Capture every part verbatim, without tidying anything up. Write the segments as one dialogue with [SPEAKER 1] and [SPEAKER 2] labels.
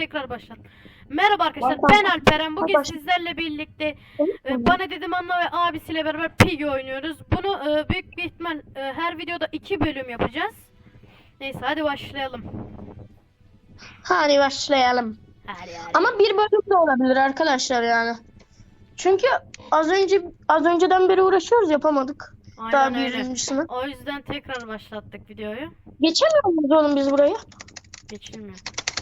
[SPEAKER 1] tekrar başlat. Merhaba arkadaşlar,
[SPEAKER 2] Başlat.
[SPEAKER 1] ben Alperen. Bugün
[SPEAKER 2] Başlat.
[SPEAKER 1] sizlerle birlikte e, bana dedim Anla ve abisiyle beraber Piggy oynuyoruz. Bunu e, büyük bir ihtimal e, her videoda iki bölüm yapacağız. Neyse hadi başlayalım.
[SPEAKER 2] Hadi başlayalım.
[SPEAKER 1] Hadi hadi.
[SPEAKER 2] Ama bir bölüm de olabilir arkadaşlar yani. Çünkü az önce az önceden beri uğraşıyoruz, yapamadık.
[SPEAKER 1] Aynen
[SPEAKER 2] Daha
[SPEAKER 1] öyle.
[SPEAKER 2] birincisini.
[SPEAKER 1] O yüzden tekrar başlattık videoyu.
[SPEAKER 2] Geçemiyor muyuz oğlum biz burayı?
[SPEAKER 1] Geçilmiyor.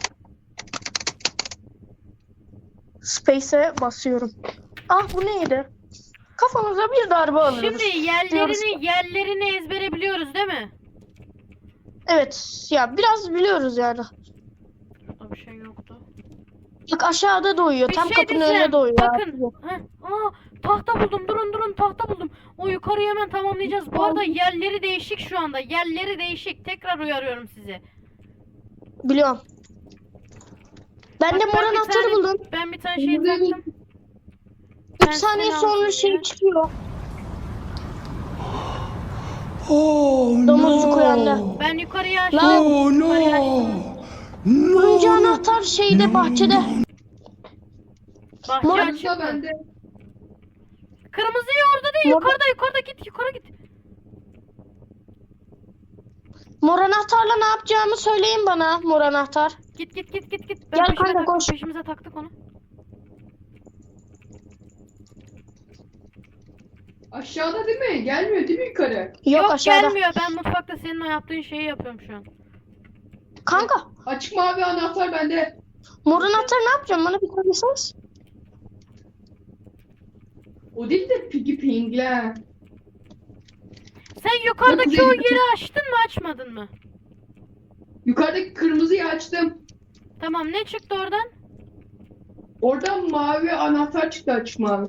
[SPEAKER 2] Space'e basıyorum. Ah, bu neydi? Kafamıza bir darbe alıyoruz.
[SPEAKER 1] Şimdi yerlerini yerlerini ezbere biliyoruz değil mi?
[SPEAKER 2] Evet ya, biraz biliyoruz yani.
[SPEAKER 1] Burada bir şey yoktu.
[SPEAKER 2] Bak aşağıda doğuyor.
[SPEAKER 1] Bir
[SPEAKER 2] Tam
[SPEAKER 1] şey
[SPEAKER 2] kapının
[SPEAKER 1] diyeceğim.
[SPEAKER 2] önüne doğuyor.
[SPEAKER 1] Bakın. Heh. Aa, tahta buldum. Durun durun tahta buldum. O yukarıyı hemen tamamlayacağız. Bu arada yerleri değişik şu anda. Yerleri değişik. Tekrar uyarıyorum sizi.
[SPEAKER 2] Biliyorum. Ben
[SPEAKER 1] Bak,
[SPEAKER 2] de mor
[SPEAKER 1] ben bir
[SPEAKER 2] anahtarı
[SPEAKER 1] tane-
[SPEAKER 2] buldum.
[SPEAKER 1] Ben bir tane şey taktım.
[SPEAKER 2] üç saniye
[SPEAKER 1] seni
[SPEAKER 2] sonra
[SPEAKER 1] aldım
[SPEAKER 2] şey
[SPEAKER 1] diye.
[SPEAKER 2] çıkıyor.
[SPEAKER 3] Oh
[SPEAKER 2] Domuzcuk
[SPEAKER 3] no!
[SPEAKER 2] uyandı.
[SPEAKER 1] Ben yukarıya açtım.
[SPEAKER 3] Oh
[SPEAKER 1] Yukarıya
[SPEAKER 3] no!
[SPEAKER 1] açtım.
[SPEAKER 2] Turuncu
[SPEAKER 3] No!
[SPEAKER 2] anahtar şeyde, bahçede.
[SPEAKER 1] Bahçe
[SPEAKER 2] Mor-
[SPEAKER 1] açık mı?
[SPEAKER 4] bende.
[SPEAKER 1] Kırmızıyı orada değil.
[SPEAKER 2] Mor-
[SPEAKER 1] Yukarıda yukarıda git. Yukarı git.
[SPEAKER 2] Mor anahtarla ne yapacağımı söyleyin bana, mor anahtar.
[SPEAKER 1] Git git git git git. Ben
[SPEAKER 2] Gel
[SPEAKER 1] peşime
[SPEAKER 2] kanka,
[SPEAKER 1] taktım,
[SPEAKER 2] koş.
[SPEAKER 1] Peşimize taktık onu.
[SPEAKER 4] Aşağıda değil mi? Gelmiyor değil mi yukarı?
[SPEAKER 2] Yok,
[SPEAKER 1] Yok
[SPEAKER 2] aşağıda.
[SPEAKER 1] gelmiyor. Ben mutfakta senin o yaptığın şeyi yapıyorum şu an.
[SPEAKER 2] Kanka,
[SPEAKER 4] Açık mavi anahtar bende.
[SPEAKER 2] mor anahtar ne yapacağım, bana bir söyleseniz.
[SPEAKER 4] O değil de Piggy Ping'le.
[SPEAKER 1] Sen yukarıdaki
[SPEAKER 4] Yok,
[SPEAKER 1] o
[SPEAKER 4] değil.
[SPEAKER 1] yeri açtın mı açmadın mı?
[SPEAKER 4] Yukarıdaki kırmızıyı açtım.
[SPEAKER 1] Tamam, ne çıktı oradan?
[SPEAKER 4] Oradan mavi anahtar çıktı, açık mavi.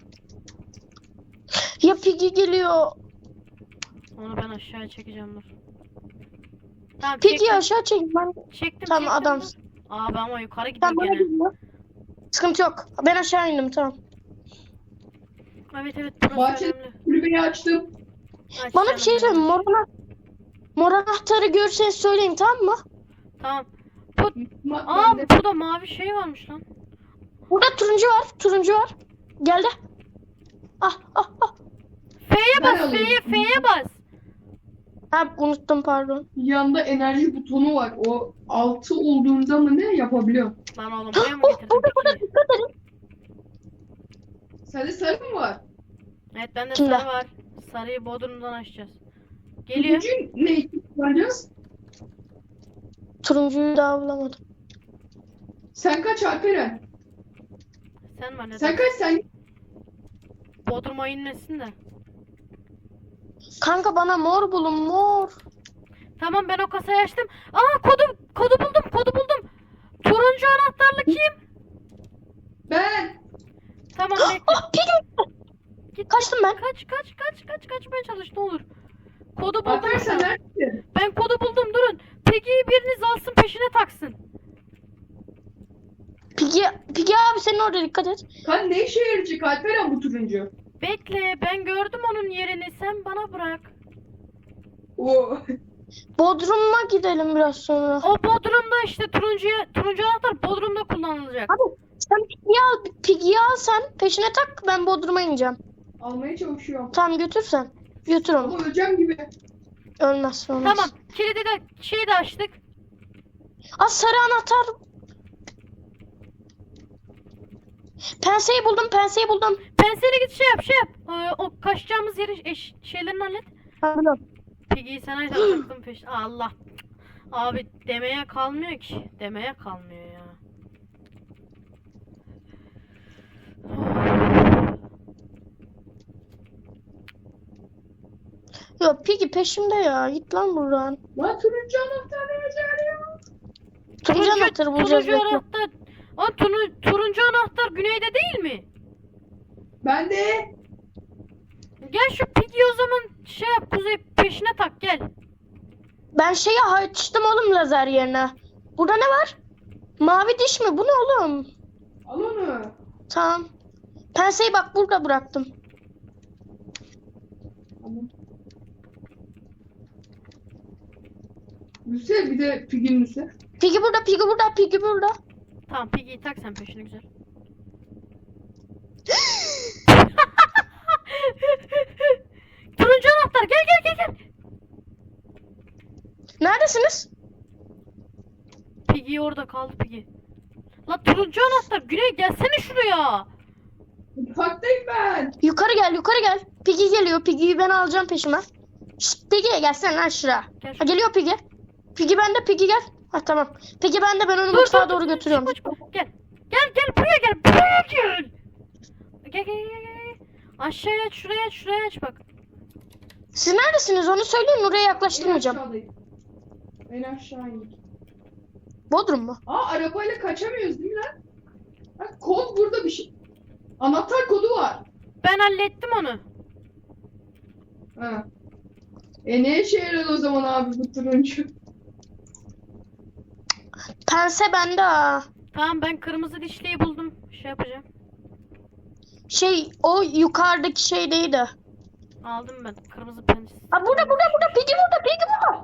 [SPEAKER 2] Ya Piggy geliyor.
[SPEAKER 1] Onu ben aşağıya çekeceğim dur. Tamam
[SPEAKER 2] Piggy'yi
[SPEAKER 1] çektim.
[SPEAKER 2] aşağı çek. Ben...
[SPEAKER 1] Çektim
[SPEAKER 2] Tamam,
[SPEAKER 1] çektim.
[SPEAKER 2] adamsın.
[SPEAKER 1] Aa ben ama yukarı gidiyorum
[SPEAKER 2] Tamam, bana
[SPEAKER 1] gene.
[SPEAKER 2] geliyor. Sıkıntı yok. Ben aşağı indim, tamam.
[SPEAKER 1] Evet evet burası
[SPEAKER 4] Bahçe
[SPEAKER 1] önemli.
[SPEAKER 4] kulübeyi açtım.
[SPEAKER 1] Aç
[SPEAKER 2] Bana
[SPEAKER 1] canım
[SPEAKER 2] bir şey
[SPEAKER 1] benim.
[SPEAKER 2] söyleyin. Mor, ana... mor anahtarı görürseniz söyleyin, tamam mı?
[SPEAKER 1] Tamam. Bu...
[SPEAKER 4] Ma
[SPEAKER 1] Aa
[SPEAKER 4] bende.
[SPEAKER 1] burada mavi şey varmış lan.
[SPEAKER 2] Burada turuncu var. Turuncu var. Geldi. Ah ah ah.
[SPEAKER 1] F'ye
[SPEAKER 4] Ben
[SPEAKER 1] bas
[SPEAKER 4] alayım.
[SPEAKER 1] F'ye F'ye bas.
[SPEAKER 2] Ha, unuttum, pardon.
[SPEAKER 4] Yanında enerji butonu var. O altı olduğunda mı ne yapabiliyor?
[SPEAKER 1] Lan oğlum buraya mı
[SPEAKER 2] Oh,
[SPEAKER 1] getirdin
[SPEAKER 2] burada burada,
[SPEAKER 1] peki?
[SPEAKER 2] dikkat edin.
[SPEAKER 4] Sende sarı mı var?
[SPEAKER 1] Evet bende
[SPEAKER 2] Kimde?
[SPEAKER 1] sarı var. Sarıyı bodrumdan açacağız. Geliyor.
[SPEAKER 4] Turuncu ne için kullanacağız?
[SPEAKER 2] Turuncuyu daha bulamadım.
[SPEAKER 4] Sen kaç Alperen?
[SPEAKER 1] Sen var neden?
[SPEAKER 4] Sen kaç sen?
[SPEAKER 1] Bodruma inmesin de.
[SPEAKER 2] Kanka bana mor bulun, mor.
[SPEAKER 1] Tamam ben o kasayı açtım. Aa kodu kodu buldum kodu buldum. Turuncu anahtarlı kim?
[SPEAKER 4] Ben.
[SPEAKER 1] Tamam bekle.
[SPEAKER 2] Ah, Piggy.
[SPEAKER 1] Git.
[SPEAKER 2] Kaçtım ben.
[SPEAKER 1] Kaç kaç kaç kaç kaçmaya çalış ne olur. Kodu buldum.
[SPEAKER 4] Alperen sen neredesin?
[SPEAKER 1] Ben kodu buldum durun. Piggy'yi biriniz alsın peşine taksın.
[SPEAKER 2] Piggy, Piggy abi senin orada, dikkat et.
[SPEAKER 4] Kan ne işe yarayacak Alperen bu turuncu?
[SPEAKER 1] Bekle ben gördüm onun yerini sen bana bırak.
[SPEAKER 4] O
[SPEAKER 2] Bodrum'a gidelim biraz sonra.
[SPEAKER 1] O bodrumda işte turuncuya turuncu anahtar bodrumda kullanılacak.
[SPEAKER 2] Abi sen Piggy'yi al, Piggy'yi al sen. Peşine tak, ben Bodrum'a ineceğim.
[SPEAKER 4] almaya çalışıyorum.
[SPEAKER 2] Tamam, götür sen. Götür onu.
[SPEAKER 4] Ama öleceğim gibi.
[SPEAKER 2] Ölmez, olmaz.
[SPEAKER 1] Tamam kilidi de şeyi de açtık.
[SPEAKER 2] Aa, sarı anahtar. Penseyi buldum, penseyi buldum.
[SPEAKER 1] Pensele git şey yap şey yap. Ee, o kaçacağımız yerin eş, şeylerini hallet.
[SPEAKER 2] Ha, biliyorum.
[SPEAKER 1] Piggy'yi sen ayda taktım peş. Allah. Abi demeye kalmıyor ki. Demeye kalmıyor ya.
[SPEAKER 2] Yok, Piggy peşimde ya. Git lan buradan.
[SPEAKER 4] Lan turuncu anahtar ne işe yarıyor?
[SPEAKER 2] Turuncu anahtarı bulacağız.
[SPEAKER 1] turuncu
[SPEAKER 2] bekle.
[SPEAKER 1] anahtar. O turu, turuncu anahtar güneyde değil mi?
[SPEAKER 4] Ben de.
[SPEAKER 1] Gel şu Piggy'yi o zaman şey yap kuzey peşine tak gel.
[SPEAKER 2] Ben şeyi açtım oğlum, lazer yerine. Burada ne var? Mavi diş mi? Bu ne oğlum?
[SPEAKER 4] Al onu.
[SPEAKER 2] Tamam. Penseyi bak burada bıraktım.
[SPEAKER 4] Tamam. Lüse bir de Piggy'nin Lüse.
[SPEAKER 2] Piggy burada, Piggy burada, Piggy burada.
[SPEAKER 1] Tamam Piggy'yi tak sen peşine güzel. Turuncu anahtar gel gel gel gel.
[SPEAKER 2] Neredesiniz?
[SPEAKER 1] Piggy orada kaldı Piggy. La turuncu anahtar Güney gelsene şuraya.
[SPEAKER 4] Mutfaktayım ben.
[SPEAKER 2] Yukarı gel, yukarı gel. Piggy geliyor. Piggy'yi ben alacağım peşime. Şşt Piggy gelsene lan şuraya.
[SPEAKER 1] Gel
[SPEAKER 2] Ha, geliyor Piggy. Piggy bende, Piggy gel. Ha tamam. Piggy bende, ben onu
[SPEAKER 1] Dur,
[SPEAKER 2] mutfağa
[SPEAKER 1] dur,
[SPEAKER 2] doğru
[SPEAKER 1] dur,
[SPEAKER 2] götürüyorum.
[SPEAKER 1] çıkma, çıkma. Gel. Gel gel buraya gel. Buraya gel. Gel gel gel gel. Aşağıya aç şuraya aç şuraya aç bak.
[SPEAKER 2] Siz neredesiniz onu söyleyin, oraya
[SPEAKER 4] En
[SPEAKER 2] yaklaştırmayacağım.
[SPEAKER 4] aşağıdayım. En aşağı indik.
[SPEAKER 2] Bodrum mu?
[SPEAKER 4] Aa arabayla kaçamıyoruz değil mi lan? Bak kod burada bir şey. Anahtar kodu var.
[SPEAKER 1] Ben hallettim onu.
[SPEAKER 4] Ha. E ne işe yaradı o zaman abi bu turuncu?
[SPEAKER 2] Pense bende ha.
[SPEAKER 1] Tamam ben kırmızı dişliyi buldum. Şey yapacağım.
[SPEAKER 2] Şey, o yukarıdaki şey neydi?
[SPEAKER 1] Aldım ben kırmızı penis.
[SPEAKER 2] Ha burada, burada, burada. Piggy burada, Piggy burada.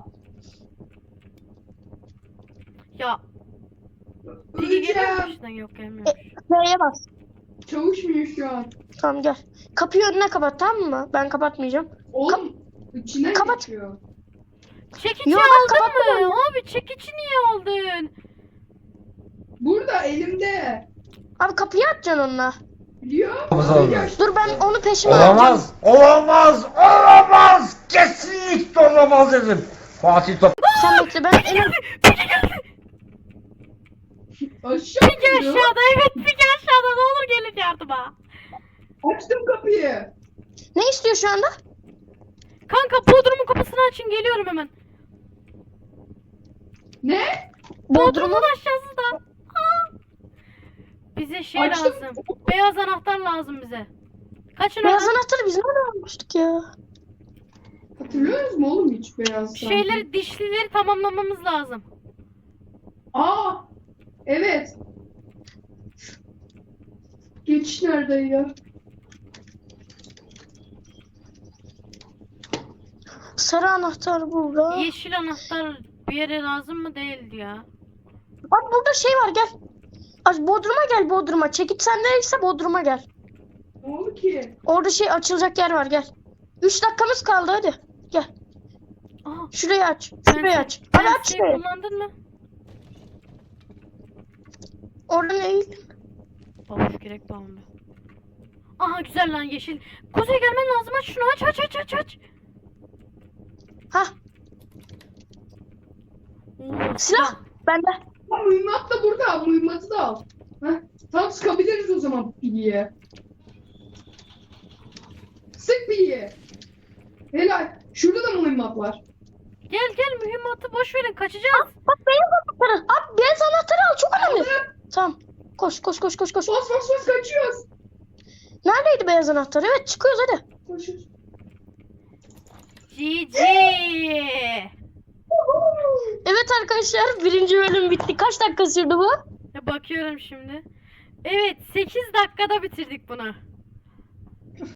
[SPEAKER 1] Ya Piggy geliyor mu
[SPEAKER 4] Öleceğim.
[SPEAKER 1] peşinden? Yok gelmiyor.
[SPEAKER 2] Neye bas?
[SPEAKER 4] Çavuşmuyor şu an.
[SPEAKER 2] Tamam gel. Kapıyı önüne kapat, tamam mı? Ben kapatmayacağım.
[SPEAKER 4] Oğlum içinden
[SPEAKER 2] Kapat.
[SPEAKER 4] geçiyor.
[SPEAKER 1] Çekici
[SPEAKER 2] Yo, ben
[SPEAKER 1] aldın
[SPEAKER 2] kapatmadım
[SPEAKER 1] mı? Abi çekici niye aldın?
[SPEAKER 4] Burada elimde.
[SPEAKER 2] Abi kapıyı açacaksın onunla.
[SPEAKER 4] Biliyor
[SPEAKER 3] Olamaz.
[SPEAKER 4] musun?
[SPEAKER 2] Dur ben onu peşime alacağım.
[SPEAKER 3] Olamaz, olamaz, olamaz. Kesinlikle olamaz dedim. Fatih Top.
[SPEAKER 2] Sen bekle, ben en
[SPEAKER 1] Piggy geldi.
[SPEAKER 4] Aşağı
[SPEAKER 1] Piggy
[SPEAKER 4] gidiyor.
[SPEAKER 1] aşağıda evet Piggy aşağıda ne olur gelin yardıma.
[SPEAKER 4] Açtım kapıyı.
[SPEAKER 2] Ne istiyor şu anda?
[SPEAKER 1] Kanka Bodrum'un kapısını açın geliyorum hemen.
[SPEAKER 4] Ne?
[SPEAKER 1] Bodrum'un aşağısı da. Aa. Bize şey
[SPEAKER 4] Açtım.
[SPEAKER 1] lazım. Beyaz anahtar lazım bize. Kaçın
[SPEAKER 2] Beyaz
[SPEAKER 1] oradan.
[SPEAKER 2] anahtarı biz nereden almıştık ya?
[SPEAKER 4] Hatırlıyoruz mu oğlum hiç beyaz sanki?
[SPEAKER 1] Şeyleri dişlileri tamamlamamız lazım.
[SPEAKER 4] Aa evet. Geçiş nerede ya?
[SPEAKER 2] Sarı anahtar burada.
[SPEAKER 1] Yeşil anahtar bir yere lazım mı değildi ya.
[SPEAKER 2] Abi burada şey var, gel. Aç Bodrum'a gel, Bodrum'a. Çekip sendeyse Bodrum'a gel.
[SPEAKER 4] Ne oldu ki?
[SPEAKER 2] Orada şey açılacak yer var, gel. Üç dakikamız kaldı, hadi. Gel.
[SPEAKER 1] Aha.
[SPEAKER 2] Şurayı aç. Şurayı
[SPEAKER 1] Pense-
[SPEAKER 2] aç. Hadi aç
[SPEAKER 1] penseyi
[SPEAKER 2] şurayı.
[SPEAKER 1] kullandın mı?
[SPEAKER 2] Oradan eğil.
[SPEAKER 1] Babuş gerek bağımlı. Aha güzel lan yeşil. Kuzey gelmen lazım aç şunu aç aç aç aç aç.
[SPEAKER 2] Hah,
[SPEAKER 1] Oo,
[SPEAKER 2] silah. Bende.
[SPEAKER 4] Ha, mühimmat da burada. Mühimmatı da al. Heh, tam sıkabiliriz o zaman Piggy'ye. Sık Piggy'ye. Helal. Şurada da mühimmat var.
[SPEAKER 1] Gel gel mühimmatı boş verin kaçacağız.
[SPEAKER 2] Bak beyaz anahtarı. Abi beyaz anahtarı al, çok önemli.
[SPEAKER 4] Aldım.
[SPEAKER 2] Tamam. Koş koş koş koş koş.
[SPEAKER 4] Bas bas bas kaçıyoruz.
[SPEAKER 2] Neredeydi beyaz anahtar? Evet, çıkıyoruz hadi.
[SPEAKER 4] Koşuyoruz.
[SPEAKER 1] G G.
[SPEAKER 2] Evet arkadaşlar, birinci bölüm bitti. Kaç dakika sürdü bu?
[SPEAKER 1] Bakıyorum şimdi. Evet sekiz dakikada bitirdik bunu.